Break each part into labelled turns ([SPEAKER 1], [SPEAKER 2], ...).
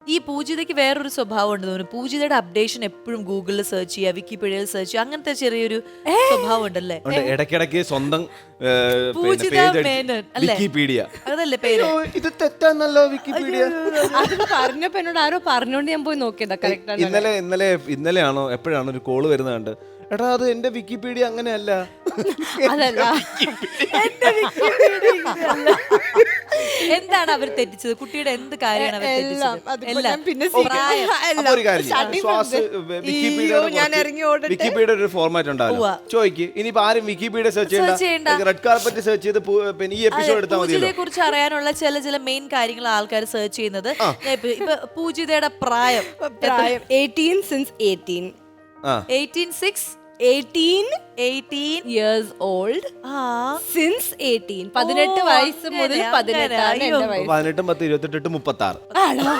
[SPEAKER 1] ഈ പൂജിതയ്ക്ക് വേറൊരു സ്വഭാവം ഉണ്ട് തോന്നുന്നു. പൂജിതയുടെ അപ്ഡേഷൻ എപ്പോഴും ഗൂഗിളിൽ സെർച്ച് ചെയ്യുക, വിക്കിപീഡിയയിൽ സെർച്ച് ചെയ്യുക, അങ്ങനത്തെ ചെറിയൊരു സ്വഭാവം ഉണ്ടല്ലേ?
[SPEAKER 2] ഇടയ്ക്കിടയ്ക്ക് സ്വന്തം
[SPEAKER 1] പൂജിത മേനോൻ അല്ലേ?
[SPEAKER 2] വിക്കിപീഡിയ.
[SPEAKER 1] അതല്ലേ പേര്?
[SPEAKER 2] ഇത് തെറ്റാന്നല്ലോ വിക്കിപീഡിയ.
[SPEAKER 3] അത് പറഞ്ഞപ്പോ എന്നോട് ആരോ പറഞ്ഞോണ്ട് ഞാൻ പോയി നോക്കിയതാ. കറക്റ്റ്
[SPEAKER 2] ഇന്നലെയാണോ എപ്പോഴാണ് ഒരു കോള് വരുന്നത് കണ്ട്, എടാ അത് എന്റെ വിക്കിപീഡിയ അങ്ങനെയല്ല.
[SPEAKER 3] അതല്ല.
[SPEAKER 1] എന്താണ് അവർ തെറ്റിച്ചത്? കുട്ടിയുടെ എന്ത് കാര്യമാണ് അവർ തെറ്റിച്ചത്? എല്ലാം.
[SPEAKER 3] പിന്നെ
[SPEAKER 2] അപ്പൊ ഒരു കാര്യം വിക്കിപീഡിയ ഒരു ഫോർമാറ്റ് ഉണ്ടാവില്ല. ചോദിക്ക് ഇനിയിപ്പോ ആരും വിക്കിപീഡിയ സെർച്ച് ചെയ്യണ്ട, റെഡ് കാർപ്പറ്റ് സെർച്ച് ചെയ്ത് പിന്നെ ഈ എപ്പിസോഡ് എടുത്താൽ മതി.
[SPEAKER 1] പൂജിതയെ കുറിച്ച് അറിയാനുള്ള ചില മെയിൻ കാര്യങ്ങൾ ആൾക്കാർ സെർച്ച് ചെയ്യുന്നത്. ഇപ്പൊ പൂജിതയുടെ പ്രായം
[SPEAKER 3] 18 since 18. 18 years old since 18. 18 വയസ്സ് മുതൽ 18 ആണ് എന്റെ വയസ്സ്.
[SPEAKER 2] 18, 10, 28, 36.
[SPEAKER 3] ആണോ?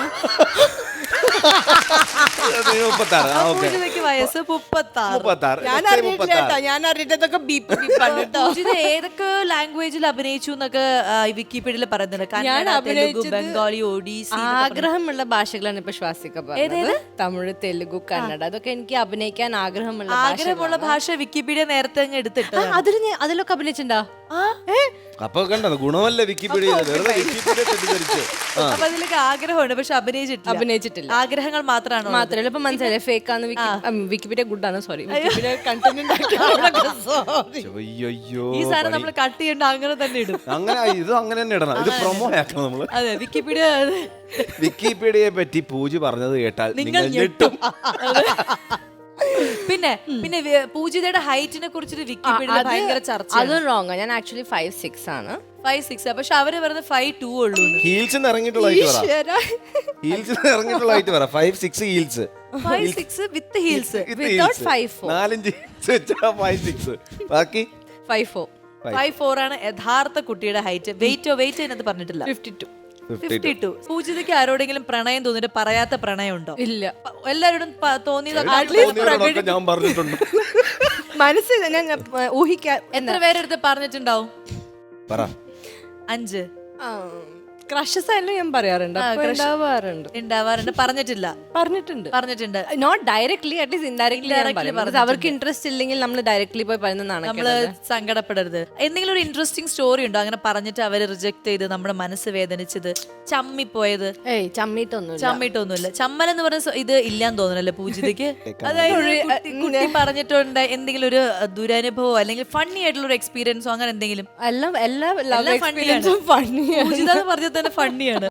[SPEAKER 2] 36.
[SPEAKER 1] പൂജിതയ്ക്ക് വയസ്സ് 36.
[SPEAKER 3] ഞാൻ അറിഞ്ഞിട്ടൊക്കെ ബീപ്പ് കേട്ടോ.
[SPEAKER 1] പൂജിത ഏതൊക്കെ ലാംഗ്വേജിൽ അഭിനയിച്ചു എന്നൊക്കെ വിക്കിപീഡിയയിൽ പറയുന്നുണ്ട്. കന്നഡ, തെലുഗു, ബംഗാളി, ഒഡീസി.
[SPEAKER 3] ആഗ്രഹമുള്ള ഭാഷകളാണ് ഇപ്പൊ ശ്വാസിക പറഞ്ഞത്. തമിഴ്, തെലുഗു, കന്നഡ, അതൊക്കെ എനിക്ക് അഭിനയിക്കാൻ ആഗ്രഹമുള്ള
[SPEAKER 1] ഭാഷ വിക്കിപീഡിയ നേരത്തെ അങ്ങ് എടുത്തിട്ട്
[SPEAKER 3] അതിലൊക്കെ അഭിനയിച്ചിട്ടുണ്ടോ?
[SPEAKER 2] അപ്പൊ കണ്ടോ ഗുണമല്ല വിക്കിപീഡിയ.
[SPEAKER 1] അപ്പൊ അതിലൊക്കെ ആഗ്രഹമുണ്ട്, പക്ഷെ അഭിനയിച്ചിട്ടില്ല. ആഗ്രഹങ്ങൾ
[SPEAKER 3] മാത്രമല്ല ഇപ്പൊ മനസ്സിലായി ഫേക്കാന്ന്. വിക്കിപീഡിയ ഗുഡാണ്. സോറി, വിക്കിപീഡിയ കണ്ടന്റ്
[SPEAKER 1] ഈ സാധനം നമ്മൾ കട്ട് ചെയ്യണ്ട, അങ്ങനെ തന്നെ ഇടും.
[SPEAKER 2] ഇത് അങ്ങനെ തന്നെ ഇടണം. ഇത് പ്രൊമോ ആക്കണം നമ്മള്.
[SPEAKER 1] അതെ, വിക്കിപീഡിയ.
[SPEAKER 2] വിക്കിപീഡിയയെ പറ്റി പൂജ പറഞ്ഞത് കേട്ടാൽ നിങ്ങൾ ഞെട്ടും.
[SPEAKER 1] പിന്നെ പൂജിതയുടെ ഹൈറ്റിനെ കുറിച്ചിട്ട് വിക്കിപീഡിയ ഭയങ്കര ചർച്ച.
[SPEAKER 3] അത് റോങ്. ഞാൻ ആക്ച്വലി 5'6" ആണ്.
[SPEAKER 1] 5'6", പക്ഷെ അവര് പറയുന്നത് 5'2" ഉള്ളൂ.
[SPEAKER 2] ഹീൽസ് ഇറങ്ങിയിട്ടുള്ള ഹൈറ്റ് പറ. 5'6" heels.
[SPEAKER 1] 5'6" with heels.
[SPEAKER 3] Without 5'4".
[SPEAKER 2] 4 inch 5'6". ബാക്കി
[SPEAKER 3] 5'4".
[SPEAKER 1] 5'4" ആണ് യഥാർത്ഥ കുട്ടിയുടെ ഹൈറ്റ്. വെയിറ്റ് അതിനകത്ത് പറഞ്ഞിട്ടില്ല. 52. പൂജിതയ്ക്ക് ആരോടെങ്കിലും പ്രണയം തോന്നിട്ട് പറയാത്ത പ്രണയം ഉണ്ടോ?
[SPEAKER 3] ഇല്ല.
[SPEAKER 1] എല്ലാവരോടും തോന്നിയതൊക്കെ
[SPEAKER 2] ഞാൻ പറഞ്ഞിട്ടുണ്ട്.
[SPEAKER 3] മനസ്സിൽ ഞാൻ ഊഹിക്കാൻ.
[SPEAKER 1] എത്ര പേരെടുത്ത് പറഞ്ഞിട്ടുണ്ടാവും?
[SPEAKER 2] പറ.
[SPEAKER 1] 5.
[SPEAKER 3] ക്രഷസ് ആയാലും ഞാൻ പറയാറുണ്ട്.
[SPEAKER 1] ഉണ്ടാവാറുണ്ട്. പറഞ്ഞിട്ടുണ്ട്.
[SPEAKER 3] Not directly, at least indirectly. അവർക്ക് ഇൻട്രസ്റ്റ് ഇല്ലെങ്കിൽ നമ്മൾ ഡയറക്ട്ലി പോയി പറയുന്നതാണ്.
[SPEAKER 1] നമ്മള് സങ്കടപ്പെടരുത്. എന്തെങ്കിലും ഒരു ഇൻട്രസ്റ്റിംഗ് സ്റ്റോറി ഉണ്ടോ അങ്ങനെ പറഞ്ഞിട്ട് അവര് റിജക്ട് ചെയ്ത് നമ്മുടെ മനസ്സ് വേദനിച്ചത്, ചമ്മിപ്പോയത്? ചമ്മിട്ടൊന്നുമില്ല. ചമ്മൽ എന്ന് പറഞ്ഞ ഇത് ഇല്ലാന്ന് തോന്നുന്നല്ലേ പൂജിതയ്ക്ക്? അതായത് കുട്ടി പറഞ്ഞിട്ടുണ്ട് എന്തെങ്കിലും ഒരു ദുരനുഭവമോ അല്ലെങ്കിൽ ഫണ്ണി ആയിട്ടുള്ള ഒരു എക്സ്പീരിയൻസോ അങ്ങനെ എന്തെങ്കിലും?
[SPEAKER 3] എല്ലാ പൂജിത
[SPEAKER 1] പറഞ്ഞത് തന്നെ ഫണ്ണിയാണ്.